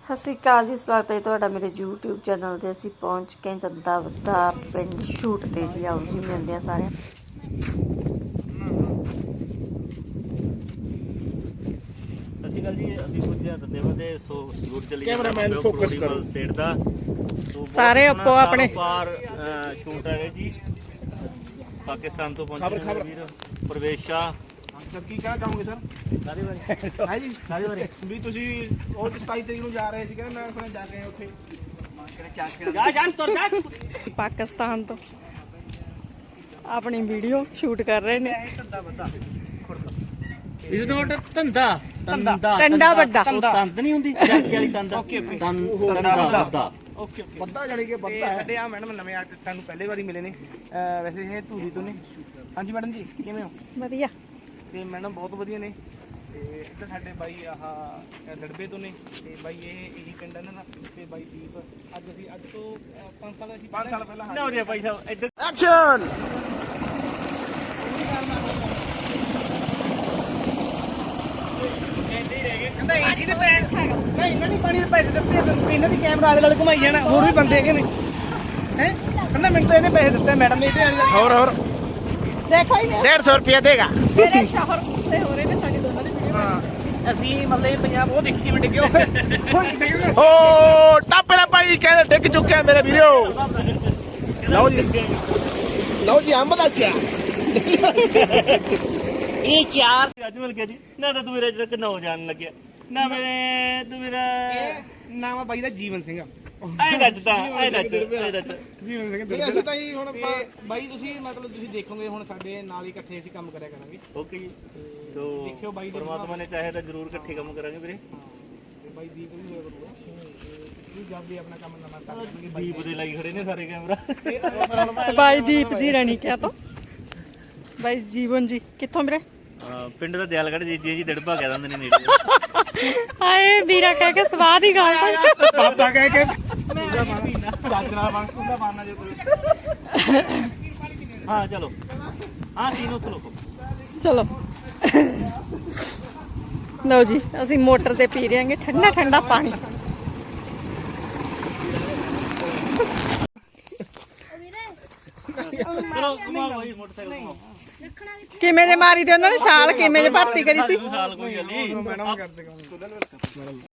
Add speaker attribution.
Speaker 1: ਸਤਿ ਸ਼੍ਰੀ ਅਕਾਲ ਜੀ, ਸਵਾਗਤ ਹੈ ਤੁਹਾਡਾ ਮੇਰੇ YouTube ਚੈਨਲ ਤੇ। ਅਸੀਂ ਪਹੁੰਚ ਗਏ ਜੱਦਾ ਵੱਦਾ ਪਿੰਡ ਸ਼ੂਟ ਤੇ ਜੀ। ਆਓ ਜੀ ਮਿਲਦੇ ਆ ਸਾਰਿਆਂ।
Speaker 2: ਅਸੀਂ ਗੱਲ ਜੀ ਅਸੀਂ ਪੁੱਜਿਆ ਦੰਦੇ ਵਦੇ ਸੋ ਸ਼ੂਟ ਚੱਲੀ
Speaker 3: ਕੈਮਰਾਮੈਨ ਫੋਕਸ ਕਰੋ
Speaker 2: ਸਟੇਟ ਦਾ
Speaker 1: ਸਾਰੇ ਆਪੋ ਆਪਣੇ
Speaker 2: ਪਾਰ ਸ਼ੂਟ ਹੈ ਜੀ। ਪਾਕਿਸਤਾਨ ਤੋਂ ਪਹੁੰਚੇ ਵੀਰ ਪ੍ਰਵੇਸ਼ਾ
Speaker 3: ਸਰ ਕੀ ਕਹਿਣਾ ਚਾਹੋਗੇ ਸਰ?
Speaker 2: ਸਾਰੇ ਵਾਰੀ
Speaker 3: ਹੈ ਜੀ ਸਾਰੇ ਵਾਰੀ ਵੀ ਤੁਸੀਂ ਉਹ 27 ਤਰੀਕ ਨੂੰ ਜਾ ਰਹੇ ਸੀ, ਕਹਿੰਦੇ ਮੈਂ ਜਾ ਕੇ ਉੱਥੇ
Speaker 2: ਜਾ ਜਾਨ ਤੁਰ ਜਾ।
Speaker 1: ਪਾਕਿਸਤਾਨ ਤੋਂ ਆਪਣੀ ਵੀਡੀਓ ਸ਼ੂਟ ਕਰ ਰਹੇ ਨੇ।
Speaker 2: ਇਸ ਨੋਟ ਧੰਦਾ
Speaker 1: ਟੰਡਾ ਵੱਡਾ
Speaker 2: ਤੰਦ ਨਹੀਂ ਹੁੰਦੀ ਜਾਕੀ ਵਾਲੀ ਤੰਦ ਤੰਦਾ ਵੱਡਾ।
Speaker 3: ਓਕੇ ਬੱਦਾ ਜਾਨੀ ਕਿ ਬੱਦਾ ਹੈ। ਸਾਡੇ ਆ ਮੈਡਮ ਨਵੇਂ ਆਰਟਿਸਟਾਂ ਨੂੰ ਪਹਿਲੇ ਵਾਰੀ ਮਿਲੇ ਨੇ। ਵੈਸੇ ਇਹ ਧੂਰੀ ਤੋਂ ਨੇ। ਹਾਂਜੀ ਮੈਡਮ ਜੀ ਕਿਵੇਂ ਹੋ?
Speaker 1: ਵਧੀਆ।
Speaker 3: ਤੇ ਮੈਡਮ ਬਹੁਤ ਵਧੀਆ ਨੇ। ਤੇ ਇੱਧਰ ਸਾਡੇ ਬਾਈ ਆਹ ਲੜਬੇ ਤੋਂ ਨੇ ਤੇ ਬਾਈ ਇਹੀ ਪਿੰਡ ਇਹਨਾਂ ਦਾ ਤੇ ਬਾਈ ਦੀਪ। ਅੱਜ ਤੋਂ 5 ਸਾਲ ਪਹਿਲਾਂ
Speaker 2: ਨਾ ਹੋ ਰਿਹਾ ਭਾਈ ਸਾਹਿਬ ਇੱਧਰ
Speaker 3: ਐਕਸ਼ਨ। ਕਹਿੰਦਾ ਏਸੀ ਦੇ ਪੈਸੇ ਨਹੀਂ ਇਹਨਾਂ ਦੀ ਪਾਣੀ ਦੇ ਪੈਸੇ ਦਿੱਤੇ ਇਹਨਾਂ ਦੀ ਕੈਮਰਾ ਵਾਲੇ ਨਾਲ ਘੁਮਾਈ ਜਾਣਾ। ਹੋਰ ਵੀ ਬੰਦੇ ਹੈਗੇ ਨੇ ਹੈ। ਕਹਿੰਦਾ ਮੈਨੂੰ ਤਾਂ ਇਹਨੇ ਪੈਸੇ ਦਿੱਤੇ ਮੈਡਮ ਨੇ। ਹੋਰ
Speaker 1: ਦੇਖੋ ਹੀ ਨਹੀਂ
Speaker 3: 150 ਰੁਪਏ ਦੇਗਾ।
Speaker 1: ਮੇਰੇ ਸ਼ਹਿਰ ਗੁੱਸੇ ਹੋ ਰਹੇ ਨੇ ਸਾਡੀ ਦੋਨਾਂ ਦੀ ਵੀਡੀਓ।
Speaker 3: ਅਸੀਂ ਮਤਲਬ ਪੰਜਾਬ ਉਹ ਦੇਖੀ ਕਿਵੇਂ ਡਿੱਗਿਓ। ਓ ਟਾਪੇ ਦਾ ਪਾਣੀ ਕਹਿੰਦੇ ਡਿੱਗ ਚੁੱਕਿਆ ਮੇਰੇ ਵੀਰੋ। ਲਓ ਜੀ ਅੰਬ ਦਾ ਚਾਹ।
Speaker 2: ਇਹ ਚਾਰ ਅੱਜ ਮਿਲ ਗਿਆ ਜੀ। ਨਾ ਤਾਂ ਤੂੰ ਮੇਰੇ ਅਜੇ ਤੱਕ ਨਾ ਹੋ ਜਾਣ ਲੱਗਿਆ ਨਾ ਮੇਰੇ ਤੂੰ ਮੇਰਾ
Speaker 3: ਨਾਮ ਆ ਬਾਈ ਦਾ ਜੀਵਨ ਸਿੰਘ।
Speaker 2: ਐ ਦੱਸਦਾ
Speaker 3: ਜੀਵਨ ਸਿੰਘ ਅਸੀਂ ਤਾਂ ਹੀ ਹੁਣ ਬਾਈ ਤੁਸੀਂ ਮਤਲਬ ਤੁਸੀਂ ਦੇਖੋਗੇ ਹੁਣ ਸਾਡੇ ਨਾਲ ਹੀ ਇਕੱਠੇ ਅਸੀਂ ਕੰਮ ਕਰਿਆ ਕਰਾਂਗੇ।
Speaker 2: ਓਕੇ ਜੀ। ਤੋ
Speaker 3: ਦੇਖਿਓ ਬਾਈ
Speaker 2: ਪਰਮਾਤਮਾ ਨੇ ਚਾਹੇ ਤਾਂ ਜ਼ਰੂਰ ਇਕੱਠੇ ਕੰਮ ਕਰਾਂਗੇ ਵੀਰੇ।
Speaker 3: ਤੇ ਬਾਈ ਦੀਪ ਵੀ ਹੋਇਆ ਕਰੂਗਾ। ਤੁਸੀਂ ਜਦ ਵੀ ਆਪਣਾ ਕੰਮ ਨਵਾਂ ਕਰ
Speaker 2: ਦੀਪ ਦੇ ਲਾਈ ਖੜੇ ਨੇ ਸਾਰੇ ਕੈਮਰਾ।
Speaker 1: ਬਾਈ ਦੀਪ ਜੀ ਰਣੀ ਕਿਆ ਤੋਂ ਬਾਈ ਜੀਵਨ ਜੀ ਕਿੱਥੋਂ ਵੀਰੇ?
Speaker 2: ਪਿੰਡ ਦਾ ਦਿਆਲਗੜ੍ਹ ਜੀ ਡੜਪਾ ਕਹਿ ਦਿੰਦੇ ਨੇ ਨੇੜੇ।
Speaker 1: ਹਾਏ ਵੀਰਾ ਕਹਿ ਕੇ ਸਵਾਦ ਹੀ ਗਾਲ
Speaker 3: ਪਾਪਾ ਕਹਿ ਕੇ ਚਾਚਰਾ ਵਾਂਗੂ ਦਾ ਮਾਰਨਾ ਜੇ ਕੋਈ।
Speaker 2: ਹਾਂ ਚਲੋ ਹਾਂ ਤੀਨੋਂ ਚਲੋ।
Speaker 1: ਚਲੋ ਲਓ ਜੀ ਅਸੀਂ ਮੋਟਰ ਤੇ ਪੀ ਰਹੇ ਹਾਂਗੇ ਠੰਡਾ ਠੰਡਾ ਪਾਣੀ।
Speaker 2: ਚਲੋ ਘੁਮਾਓ ਭਾਈ ਮੋਟਰਸਾਈਕਲ ਘੁਮਾਓ।
Speaker 1: ਕਿਵੇਂ ਜੇ ਮਾਰੀ ਤੇ ਉਹਨਾਂ ਨੇ ਛਾਲ ਕਿਵੇਂ ਜੇ ਭਰਤੀ ਕਰੀ ਸੀ।
Speaker 2: ਸਾਲ ਕੋਈ ਗੱਲ ਨਹੀਂ।
Speaker 3: ਮੈਡਮ ਕਰਦੇ ਕੰਮ।